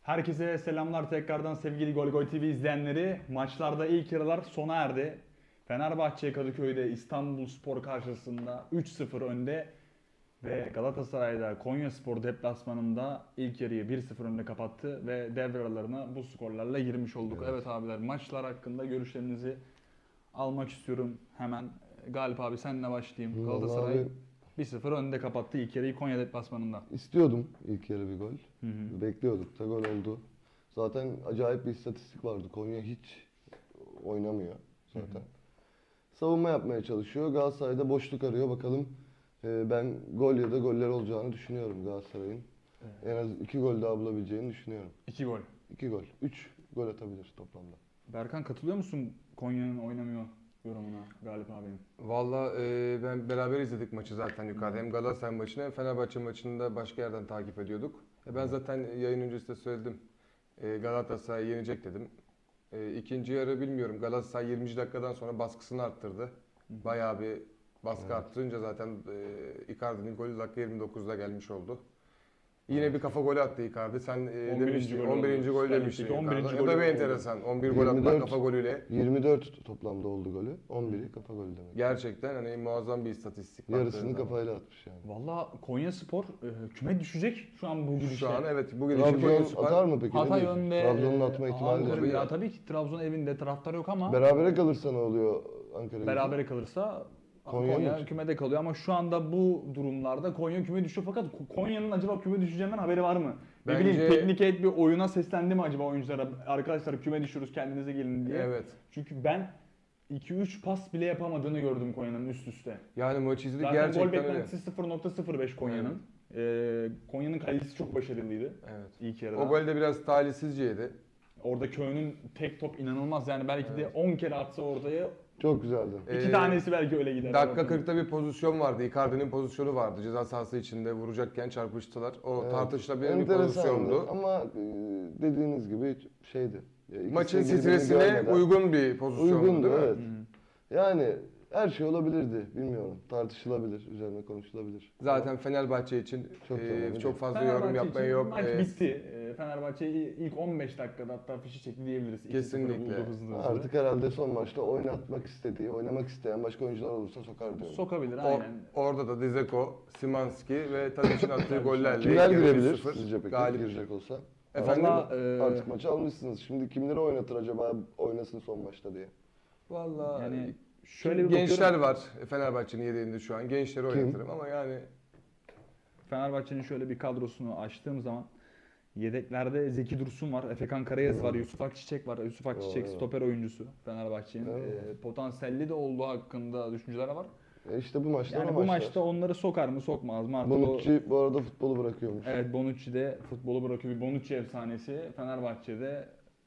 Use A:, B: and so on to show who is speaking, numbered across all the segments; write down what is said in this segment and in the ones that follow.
A: Herkese selamlar tekrardan sevgili Gol Gol TV izleyenleri. Maçlarda ilk yarılar sona erdi. Fenerbahçe Kadıköy'de İstanbulspor karşısında 3-0 önde ve Galatasaray'da Konyaspor deplasmanında ilk yarıyı 1-0 önde kapattı ve devre aralarına bu skorlarla girmiş olduk. Evet abiler, maçlar hakkında görüşlerinizi almak istiyorum hemen. Galip abi senle başlayayım.
B: Vallahi
A: Galatasaray
B: abi,
A: 1-0 önde kapattı ilk yarıyı Konya deplasmanında.
B: istiyordum ilk yarı bir gol.
A: Hı hı.
B: Bekliyorduk da gol oldu. Zaten acayip bir istatistik vardı. Konya hiç oynamıyor zaten. Savunma yapmaya çalışıyor. Galatasaray'da boşluk arıyor. Bakalım ben gol ya da goller olacağını düşünüyorum Galatasaray'ın. En az 2 gol daha bulabileceğini düşünüyorum.
A: 2 gol.
B: 2 gol. 3 gol atabilir toplamda.
A: Berkan, katılıyor musun Konya'nın oynamıyor yorumuna Galip abinin?
C: Valla ben beraber izledik maçı zaten yukarıda. Hem Galatasaray maçını hem Fenerbahçe maçını da başka yerden takip ediyorduk. Ben zaten yayın öncesi de söyledim. Galatasaray yenecek dedim. İkinci yarı bilmiyorum. Galatasaray 20. dakikadan sonra baskısını arttırdı. Bayağı bir baskı arttırınca zaten Icardi'nin golü dakika 29'da gelmiş oldu. Yine bir kafa golü attı Icardi. Sen
A: 11.
C: demiştin,
A: golü
C: 11.
A: oldu.
C: gol
A: Süper
C: demiştin.
A: Lig'deki 11.
C: Icardi. O
A: golü
C: da bir
A: oldu.
C: enteresan. 11 gol atmak
B: 24.
C: kafa golüyle.
B: 24 toplamda oldu golü. 11'i kafa golü demek.
C: Gerçekten hani muazzam bir istatistik.
B: Yarısını
C: baktığın zaman.
B: kafayla atmış yani.
A: Valla Konyaspor küme düşecek şu an bu gidişle.
C: Şu an evet bu gidişi
B: Trabzon
C: Konyaspor
B: atar mı peki? Ne
A: Hatay
B: diyorsun?
A: önde.
B: Trabzon'un atma ihtimali
A: Ankara,
B: var.
A: ya tabii ki Trabzon evinde taraftar yok ama
B: Berabere kalırsa ne oluyor Ankara?
A: berabere kalırsa
B: Konya
A: Konya
B: mı?
A: kümede kalıyor ama şu anda bu durumlarda Konya küme düşüyor, fakat Konya'nın acaba küme düşeceğinden haberi var mı? Ne
C: Bence-
A: bileyim, teknik heyet bir oyuna seslendi mi acaba oyunculara? Arkadaşlar küme düşüyoruz, kendinize gelin diye.
C: Evet.
A: Çünkü ben 2-3 pas bile yapamadığını gördüm Konya'nın üst üste.
C: Yani maçı izledik
A: Zaten gol
C: gerçekten öyle.
A: beklentisi 0.05 Konya'nın. Konya'nın kalecisi çok başarılıydı
C: Evet.
A: ilk yarıda.
C: O gol de biraz talihsizceydi.
A: Orada Köy'ün tek top inanılmaz, yani belki de 10 kere atsa ortaya
B: Çok güzeldi.
A: 2 tanesi belki öyle gider.
C: Dakika 40'ta bir pozisyon vardı. Icardi'nin pozisyonu vardı. Ceza sahası içinde vuracakken çarpıştılar. O
B: Evet.
C: tartışılabilir bir
B: Enteresandı
C: pozisyondu.
B: ama dediğiniz gibi şeydi.
C: Maçın
B: İkisinin birbirini
C: stresine
B: görmeden
C: uygun bir pozisyondu
B: uygundu,
C: değil mi?
B: evet. Yani her şey olabilirdi, bilmiyorum. Tartışılabilir, üzerine konuşulabilir.
C: Zaten Fenerbahçe için
B: Çok önemli.
C: çok fazla
A: Fenerbahçe
C: yorum yapmaya
A: için
C: yok.
A: Maç bitti. Fenerbahçe ilk 15 dakikada hatta fişi çekti diyebiliriz. 2-0
C: Kesinlikle.
A: buldu hızlı.
B: Artık herhalde son maçta oynatmak istediği, oynamak isteyen başka oyuncular olursa sokar diyorum.
A: Sokabilir aynen.
C: Orada da Dzeko, Szymanski ve Tadic'in attığı gollerle
B: Kimler
C: ilk yarı
B: girebilir
C: 1-0
B: sizce peki
C: galip.
B: girecek olsa?
C: Efendim?
B: Artık maçı almışsınız. Şimdi kimleri oynatır acaba oynasın son maçta diye?
C: Vallahi
A: Yani şöyle bir
C: gençler
A: bakıyorum.
C: var Fenerbahçe'nin yedeğinde şu an. Gençleri oynatırım ama yani
A: Fenerbahçe'nin şöyle bir kadrosunu açtığım zaman yedeklerde Zeki Dursun var, Efekan Karayaz var, Yusuf Akçiçek var. Yusuf Akçiçek
B: Evet.
A: stoper oyuncusu Fenerbahçe'nin.
B: Evet.
A: Potansiyelli de olduğu hakkında düşünceler var.
B: İşte bu maçta
A: Yani bu maçta onları sokar mı sokmaz mı? Artık
B: Bonucci bu arada futbolu bırakıyormuş.
A: Evet, Bonucci de futbolu bırakıyor. Bir Bonucci efsanesi Fenerbahçe'de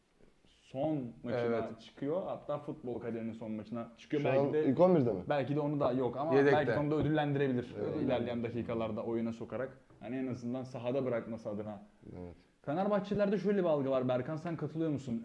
A: son maçına çıkıyor. Hatta futbol kariyerinin son maçına çıkıyor.
B: Şu
A: Belki
B: an
A: de
B: ilk 11'de mi?
A: belki de onu da yok ama
C: Yedekte.
A: belki de onu da ödüllendirebilir.
B: Evet.
A: İlerleyen dakikalarda oyuna sokarak. Hani en azından sahada bırakması adına.
B: Evet.
A: Fenerbahçelilerde şöyle bir algı var. Berkan, sen katılıyor musun?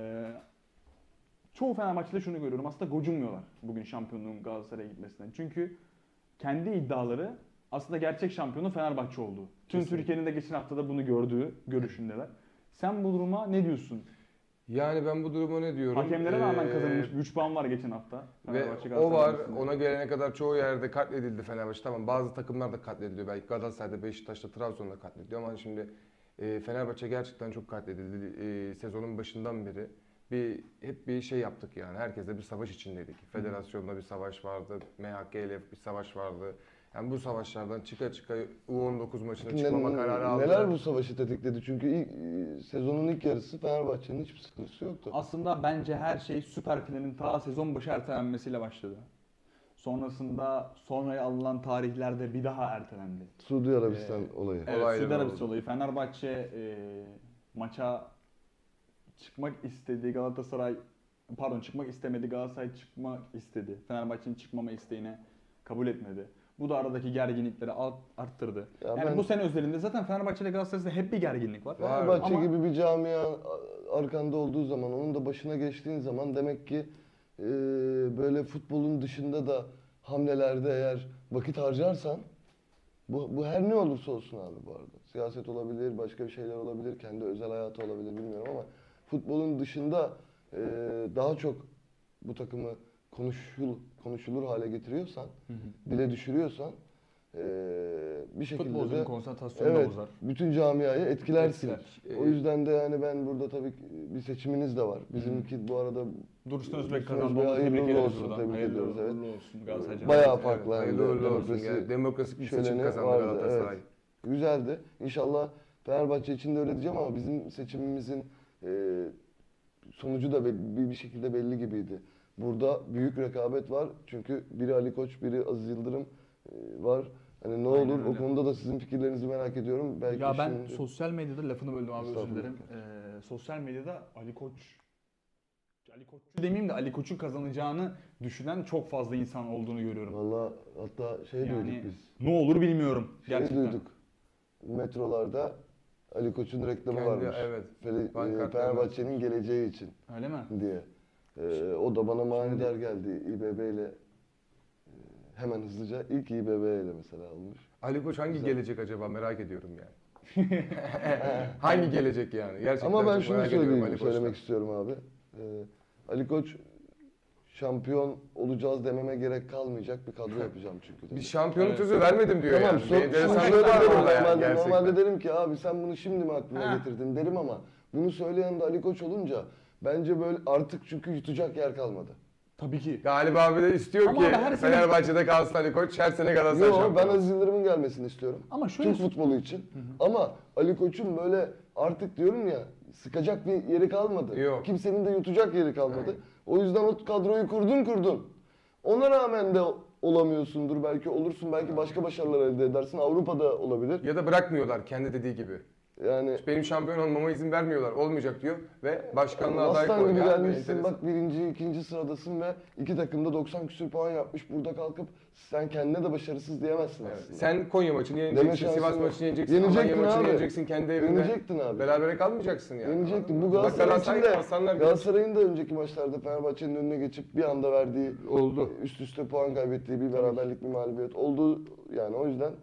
A: Çoğu Fenerbahçe'de şunu görüyorum. Aslında gocunmuyorlar bugün şampiyonluğun Galatasaray'a gitmesinden. Çünkü kendi iddiaları aslında gerçek şampiyonu Fenerbahçe oldu. Tüm
C: Kesinlikle.
A: Türkiye'nin de geçen haftada bunu gördüğü görüşündeler. Sen bu duruma ne diyorsun?
C: yani ben bu duruma ne diyorum?
A: Hakemlere rağmen kazanılmış 3 puan var geçen hafta.
C: Ve
A: Fenerbahçe
C: o var.
A: arasında.
C: Ona gelene kadar çoğu yerde katledildi Fenerbahçe. Tamam, bazı takımlar da katlediliyor. Belki Galatasaray'da, Beşiktaş'ta, Trabzon'da katlediliyor ama şimdi Fenerbahçe gerçekten çok katledildi. Sezonun başından beri hep bir şey yaptık yani. Herkesle bir savaş içindeydik. Federasyonda bir savaş vardı. MHK ile bir savaş vardı. Yani bu savaşlardan çıka çıka U19 maçına çıkmama kararı aldı.
B: Neler bu savaşı tetikledi? Çünkü sezonun ilk yarısı Fenerbahçe'nin hiçbir sıkıntısı yoktu.
A: Aslında bence her şey Süper Final'in ta sezon başı ertelenmesiyle başladı. Sonrasında sonraya alınan tarihlerde bir daha ertelendi.
B: Suudi Arabistan olayı.
A: Evet,
C: Olaylar
A: Suudi Arabistan
C: oldu.
A: olayı. Fenerbahçe maça çıkmak istedi. Çıkmak istemedi. Galatasaray çıkmak istedi. Fenerbahçe'nin çıkmama isteğine kabul etmedi. Bu da aradaki gerginlikleri arttırdı.
B: Ya
A: yani
B: ben-
A: bu sene özelinde zaten Fenerbahçe ile Galatasaray'da hep bir gerginlik var.
B: Fenerbahçe
A: Ama
B: gibi bir camia arkanda olduğu zaman, onun da başına geçtiğin zaman demek ki böyle futbolun dışında da hamlelerde eğer vakit harcarsan Bu her ne olursa olsun abi bu arada. Siyaset olabilir, başka bir şeyler olabilir, kendi özel hayatı olabilir bilmiyorum ama futbolun dışında daha çok bu takımı konuşulur hale getiriyorsan, dile düşürüyorsan bir şekilde
A: Futbolcunun
B: de
A: konsantrasyonu da
B: evet,
A: bozar.
B: bütün camiayı etkilersin.
A: Etkiler.
B: O yüzden de yani ben burada tabii bir seçiminiz de var. Bizimki bu arada
A: Dursun Özbek
B: Dursun
A: kazandı.
B: Özbek'e
A: Onu tebrik
B: hayırlı
A: ederiz
B: olsun,
A: buradan.
B: tebrik
A: Hayırlı
B: ediyoruz, evet.
A: uğurlu olsun Galatasaray.
B: Bayağı
C: Evet,
B: farklı.
C: hayırlı uğurlu olsun.
B: Demokrasi
C: Yani demokratik bir seçim
B: şöleni
C: kazandı
B: vardı,
C: Galatasaray.
B: evet. Güzeldi. İnşallah Fenerbahçe için de öyle diyeceğim ama bizim seçimimizin sonucu da bir şekilde belli gibiydi. Burada büyük rekabet var. Çünkü biri Ali Koç, biri Aziz Yıldırım var. Hani ne
A: Aynen
B: olur
A: öyle.
B: o konuda da sizin fikirlerinizi merak ediyorum. Belki
A: Ya ben
B: şimdi-
A: sosyal medyada lafını böldüm abi özür
B: Estağfurullah.
A: dilerim. Sosyal medyada Ali Koç'u demeyeyim de Ali Koç'un kazanacağını düşünen çok fazla insan olduğunu görüyorum.
B: Vallahi hatta şey
A: Yani
B: duyduk biz.
A: ne olur bilmiyorum
B: Şey
A: gerçekten.
B: duyduk. Metrolarda Ali Koç'un reklamı
C: Kendi-
B: varmış.
C: evet.
B: Fe-
C: Pankartlarında.
B: Fenerbahçe'nin geleceği için
A: Öyle mi?
B: diye. O da bana manidar geldi. İBB ile hemen hızlıca ilk İBB ile mesela almış.
C: Ali Koç hangi
B: Güzel.
C: gelecek acaba merak ediyorum yani. Hangi gelecek yani? Gerçekten
B: Ama ben
C: çok
B: şunu
C: merak ediyorum
B: söyleyeyim,
C: Ali Koç'tan.
B: söylemek istiyorum abi. Ali Koç şampiyon olacağız dememe gerek kalmayacak bir kadro yapacağım çünkü. dedi.
C: Bir şampiyonluk
A: Evet.
C: sözü vermedim diyor
B: Tamam,
C: yani. Bir enteresanlık
B: şöyle
C: var
B: derim,
C: orada yani
B: normalde,
C: gerçekten.
B: normalde derim ki abi sen bunu şimdi mi aklına
A: Ha.
B: getirdin derim ama bunu söyleyen de Ali Koç olunca bence böyle artık çünkü yutacak yer kalmadı.
A: Tabii ki.
C: Galiba abi de istiyor
A: Ama
C: ki
A: abi her sene-
C: Fenerbahçe'de kalsın Ali Koç, her sene Galatasaray
B: Yok ben
C: şampiyonu.
B: Aziz Yıldırım'ın gelmesini istiyorum.
A: Ama şöyle
B: Türk futbolu için. Ama Ali Koç'un böyle artık diyorum ya sıkacak bir yeri kalmadı.
C: Yok.
B: Kimsenin de yutacak yeri kalmadı. O yüzden o kadroyu kurdun. Ona rağmen de olamıyorsundur. Belki olursun. Belki başka başarılar elde edersin. Avrupa'da olabilir.
C: Ya da bırakmıyorlar kendi dediği gibi.
B: Yani
C: Benim şampiyon olmama izin vermiyorlar. Olmayacak diyor ve başkanlığa aday
B: aslan gibi
C: koyuyor. Yani
B: gelmişsin.
C: enteresan.
B: Bak birinci, ikinci sıradasın ve iki takımda 90 küsür puan yapmış. Burada kalkıp sen kendine de başarısız diyemezsin
C: Evet.
B: aslında.
C: Sen Konya maçını
B: Deme
C: yeneceksin,
B: şansın
C: Sivas
B: yok.
C: maçını yeneceksin,
B: Yenecektin
C: Alanya maçını
B: abi.
C: yeneceksin kendi evinde.
B: Yenecektin abi.
C: Berabere kalmayacaksın yani.
B: Yenecektin. Bu
C: Bak
B: Galatasaray için de
C: Aslanlar
B: Galatasaray'ın da önceki maçlarda Fenerbahçe'nin önüne geçip bir anda verdiği
C: oldu.
B: üst üste puan kaybettiği bir beraberlik bir mağlubiyet oldu. Yani o yüzden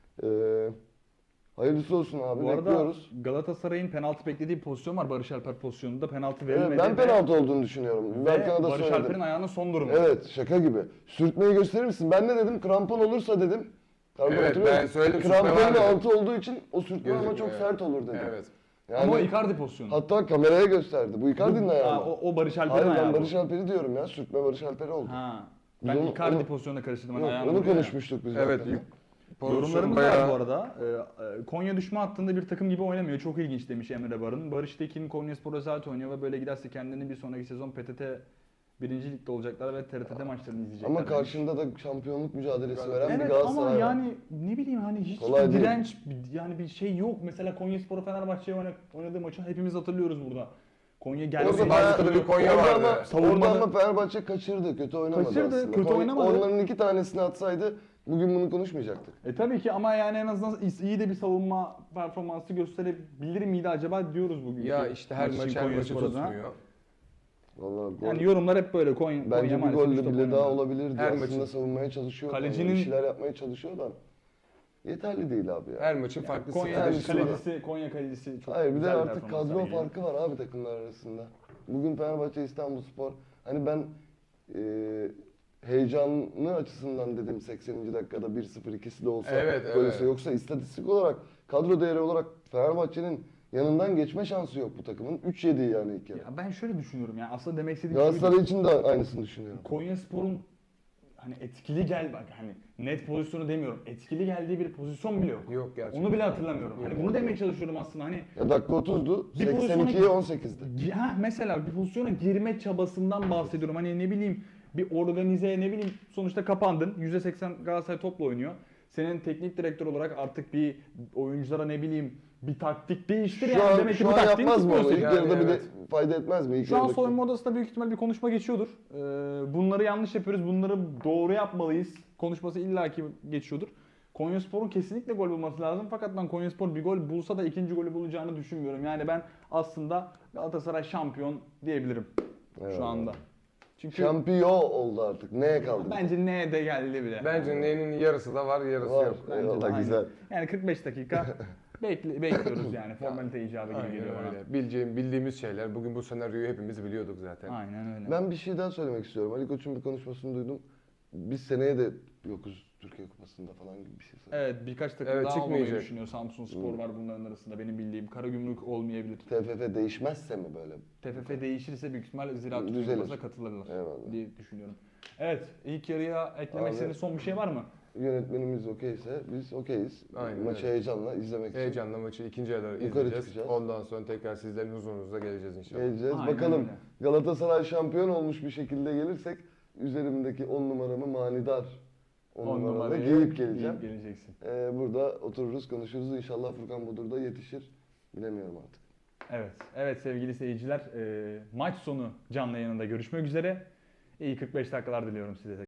B: hayırlısı olsun abi.
A: bu arada
B: Bekliyoruz.
A: Galatasaray'ın penaltı beklediği bir pozisyon var Barış Alper pozisyonunda. Penaltı verilmedi.
B: Evet, ben
A: ve-
B: penaltı olduğunu düşünüyorum.
A: ve
B: Berkan'a da
A: Barış
B: söyledim.
A: Alper'in ayağının son durumu.
B: Evet, şaka gibi. Sürtmeyi gösterir misin? Ben ne dedim? Krampon olursa dedim.
C: Evet,
B: hatırlıyor
C: ben
B: musun?
C: söyledim, sürtme
B: Kramponun
C: var dedim.
B: altı olduğu için o sürtme ama
C: Gözükmüyor,
B: çok
C: evet.
B: sert olur dedim.
C: Evet.
B: Yani,
A: Ama o Icardi pozisyonu.
B: hatta kameraya gösterdi. Bu Icardi'nin ayağı
A: Ha,
B: mı?
A: o Barış Alper'in
B: Hayır
A: ayağı.
B: ben
A: bu.
B: Barış Alper'i diyorum ya. Sürtme Barış Alper'i oldu.
A: Ha.
B: Biz
A: Ben
B: onu-
A: Icardi
B: onu-
A: pozisyonuna karıştırdım. Hani
B: Yok,
A: ayağını
B: onu
A: vuruyor ya.
B: konuşmuştuk biz
C: Evet.
B: zaten.
A: Yorumlarımız
C: bayağı-
A: var bu arada. Konya düşme hattında bir takım gibi oynamıyor. Çok ilginç demiş Emre Barın. Barış Tekin Konyaspor zaten oynuyor ve böyle giderse kendini bir sonraki sezon PTT 1. Lig'de olacaklar ve TRT'de maçlarını izleyecekler.
B: Ama
A: demiş.
B: karşında da şampiyonluk mücadelesi veren bir
A: Evet
B: Galatasaray
A: ama
B: var.
A: yani ne bileyim hani hiç
B: Kolay
A: bir
B: değil.
A: direnç yani bir şey yok. Mesela Konyaspor Fenerbahçe'ye oynadığı maçı hepimiz hatırlıyoruz burada. Konya geldi.
C: Orada
B: bayağı-
C: bazı kadar bir Konya
B: orada
C: vardı.
B: ama,
A: Savunmada-
B: orada ama Fenerbahçe kaçırdı. Kötü oynamadı
A: Kaçırdı,
B: aslında.
A: kötü oynamadı.
B: Onların iki tanesini atsaydı bugün bunu konuşmayacaktık.
A: Tabii ki ama yani en azından iyi de bir savunma performansı gösterebilir miydi acaba diyoruz bugün.
C: Ya işte her maç her maçı tutmuyor.
B: Vallahi gol.
A: Yani yorumlar hep böyle Konya
B: Bence bir
A: maalesef
B: gol
A: üç
B: de
A: top
B: bile daha
A: oynamıyor.
B: olabilirdi.
C: Her
B: Aslında
C: maçın-
B: savunmaya çalışıyor.
A: Kalecinin-
B: Bir şeyler yapmaya çalışıyor da yeterli değil abi ya.
C: Her maçın farklı
A: Konya
C: stratejisi var.
A: Konya kalecisi çok
B: Hayır bir de
A: güzel
B: artık
A: performanslar
B: kadro
A: geliyor.
B: farkı var abi takımlar arasında. Bugün Fenerbahçe İstanbulspor hani ben heyecanlı açısından dedim 80. dakikada 1-0 ikisi de olsa
C: Evet,
B: böylese
C: evet.
B: yoksa istatistik olarak kadro değeri olarak Fenerbahçe'nin yanından geçme şansı yok bu takımın. 3-7 yani ilk yarı.
A: Ya ben şöyle düşünüyorum yani aslında demek istediğim şey
B: Galatasaray için de aynısını düşünüyorum.
A: Konyaspor'un hani etkili bak hani net pozisyonu demiyorum. Etkili geldiği bir pozisyon bile yok.
C: Yok gerçekten.
A: Onu bile hatırlamıyorum. Hani bunu demeye çalışıyorum aslında hani
B: Ya dakika 30'du,
A: Bir pozisyona-
B: 82'ye 18'di.
A: mesela bir pozisyona girme çabasından bahsediyorum. Hani ne bileyim bir organize ne bileyim sonuçta kapandın. %80 Galatasaray topla oynuyor. Senin teknik direktör olarak artık bir oyunculara ne bileyim bir taktik değiştir yani. Demek ki
B: Şu
A: bu
B: an
A: taktiğini
B: yapmaz mı onu?
A: tutmuyorsun.
B: İlk
C: Yani
B: yarıda bir de
C: evet.
B: fayda etmez mi? İlk
A: Şu an
B: yarıdaki-
A: soyunma odasında büyük ihtimal bir konuşma geçiyordur. Bunları yanlış yapıyoruz, bunları doğru yapmalıyız. Konuşması illaki geçiyordur. Konyaspor'un kesinlikle gol bulması lazım. Fakat ben Konyaspor bir gol bulsa da ikinci golü bulacağını düşünmüyorum. Yani ben aslında Galatasaray şampiyon diyebilirim
B: Eyvallah.
A: şu anda. Çünkü
B: Şampiyon oldu artık. Neye kaldı?
A: bence ne de geldi bile.
C: Bence neyin yarısı da var, yarısı
B: Var.
C: yok.
A: Bence de
B: Eyvallah,
A: aynı.
B: güzel.
A: Yani 45 dakika bekliyoruz yani. Formalite icabı gibi
C: Aynen
A: geliyor bana.
C: öyle. Bildiğimiz şeyler. Bugün bu senaryoyu hepimiz biliyorduk zaten.
A: Aynen öyle.
B: Ben bir şey daha söylemek istiyorum. Ali Koç'un bir konuşmasını duydum. Biz seneye de yokuz Türkiye Kupası'nda falan gibi bir şey söyledi.
A: Evet, birkaç takım
C: Evet,
A: daha olmayı
C: çıkmayacak.
A: düşünüyor. Samsun Spor var bunların arasında benim bildiğim. Karagümrük olmayabilir.
B: TFF değişmezse mi böyle?
A: TFF değişirse büyük ihtimal Ziraat
B: Düzelir.
A: Türkiye Kupası'na katılırlar
B: Eyvallah.
A: diye düşünüyorum. Evet, ilk yarıya eklemek
B: Abi-
A: istediğiniz son bir şey var mı?
B: Yönetmenimiz okeyse biz okeyiz.
C: Aynen
B: Maçı
C: öyle.
B: heyecanla izlemek için
C: Heyecanla maçı ikinci yarıda
B: Yukarı
C: izleyeceğiz.
B: çıkacağız.
C: Ondan sonra tekrar sizlerin huzurunuzda geleceğiz inşallah.
B: geleceğiz.
A: Aynen
B: Bakalım
A: öyle.
B: Galatasaray şampiyon olmuş bir şekilde gelirsek üzerimdeki 10 numaramı manidar 10
A: On
B: numarada
A: numarayı
B: giyip geleceğim.
A: giyip geleceksin.
B: Burada otururuz konuşuruz. İnşallah Furkan Budur da yetişir. Bilemiyorum artık.
A: Evet, evet sevgili seyirciler, maç sonu canlı yayınında görüşmek üzere. İyi 45 dakikalar diliyorum size.